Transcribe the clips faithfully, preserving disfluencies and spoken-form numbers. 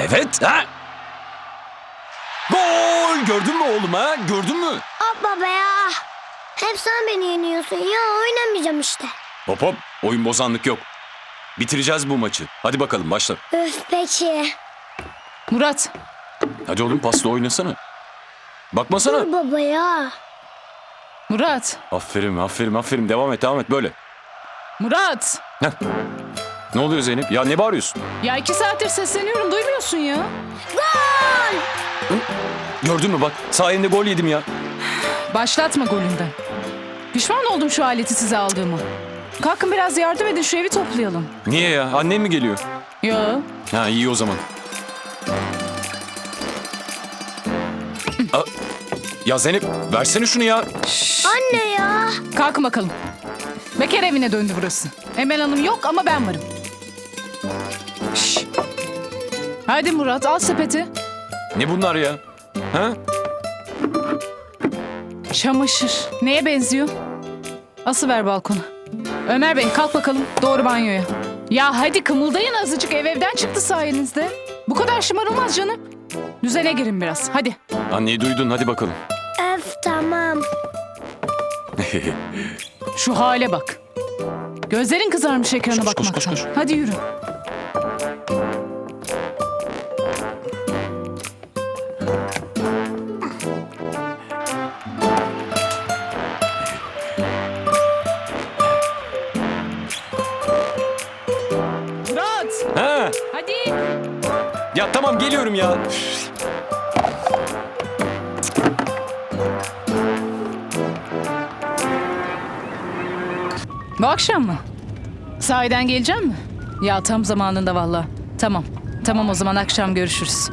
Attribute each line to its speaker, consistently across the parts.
Speaker 1: Evet ha? Gol! Gördün mü oğlum ha? Gördün mü?
Speaker 2: Hop baba ya. Hep sen beni yeniyorsun ya, oynamayacağım işte.
Speaker 1: Hop hop, oyun bozanlık yok. Bitireceğiz bu maçı. Hadi bakalım başla.
Speaker 2: Öf peki.
Speaker 3: Murat,
Speaker 1: Hadi oğlum pasla oynasana. Bakmasana.
Speaker 2: Dur baba ya.
Speaker 3: Murat,
Speaker 1: Aferin aferin aferin devam et devam et böyle.
Speaker 3: Murat.
Speaker 1: Heh. Ne oluyor Zeynep? Ya ne bağırıyorsun?
Speaker 3: Ya iki saattir sesleniyorum, duymuyorsun ya.
Speaker 2: Gol!
Speaker 1: Gördün mü bak sayende gol yedim ya.
Speaker 3: Başlatma golünden. Pişman oldum şu aleti size aldığımı. Kalkın biraz yardım edin, şu evi toplayalım.
Speaker 1: Niye ya? Annem mi geliyor?
Speaker 3: Ya.
Speaker 1: Ha iyi o zaman. Aa, ya Zeynep versene şunu ya.
Speaker 2: Anne ya.
Speaker 3: Kalkın bakalım. Bekar evine döndü burası. Emel Hanım yok ama ben varım. Şş. Hadi Murat, al sepeti.
Speaker 1: Ne bunlar ya? Ha?
Speaker 3: Çamaşır. Neye benziyor? Asıver balkona. Ömer Bey kalk bakalım, doğru banyoya. Ya hadi kımıldayın azıcık, ev evden çıktı sayenizde. Bu kadar şımarılmaz canım. Düzene girin biraz, hadi.
Speaker 1: Anneyi duydun hadi bakalım.
Speaker 2: Öf tamam.
Speaker 3: Şu hale bak. Gözlerin kızarmış ekrana
Speaker 1: Koş, koş, koş,
Speaker 3: bakmaktan.
Speaker 1: koş.
Speaker 3: Hadi yürü. Murat,
Speaker 1: Ha?
Speaker 3: hadi.
Speaker 1: Ya tamam geliyorum ya.
Speaker 3: Bu akşam mı? Sahiden gelecek mi? Ya tam zamanında valla. Tamam. Tamam o zaman akşam görüşürüz.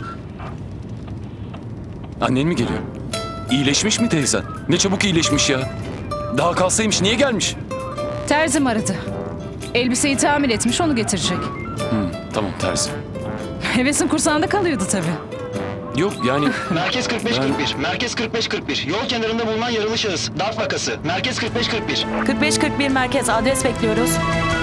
Speaker 1: Annen mi geliyor? İyileşmiş mi teyzen? Ne çabuk iyileşmiş ya. Daha kalsaymış niye gelmiş?
Speaker 3: Terzim aradı. Elbiseyi tamir etmiş, onu getirecek.
Speaker 1: Hı, tamam terzi.
Speaker 3: Hevesin kursağında kalıyordu tabii.
Speaker 1: Yok yani
Speaker 4: Merkez kırk beş kırk bir. Merkez kırk beş kırk bir. Yol kenarında bulunan yaralı şahıs. Darp vakası. Merkez kırk beş kırk bir.
Speaker 5: kırk beş kırk bir merkez adres bekliyoruz.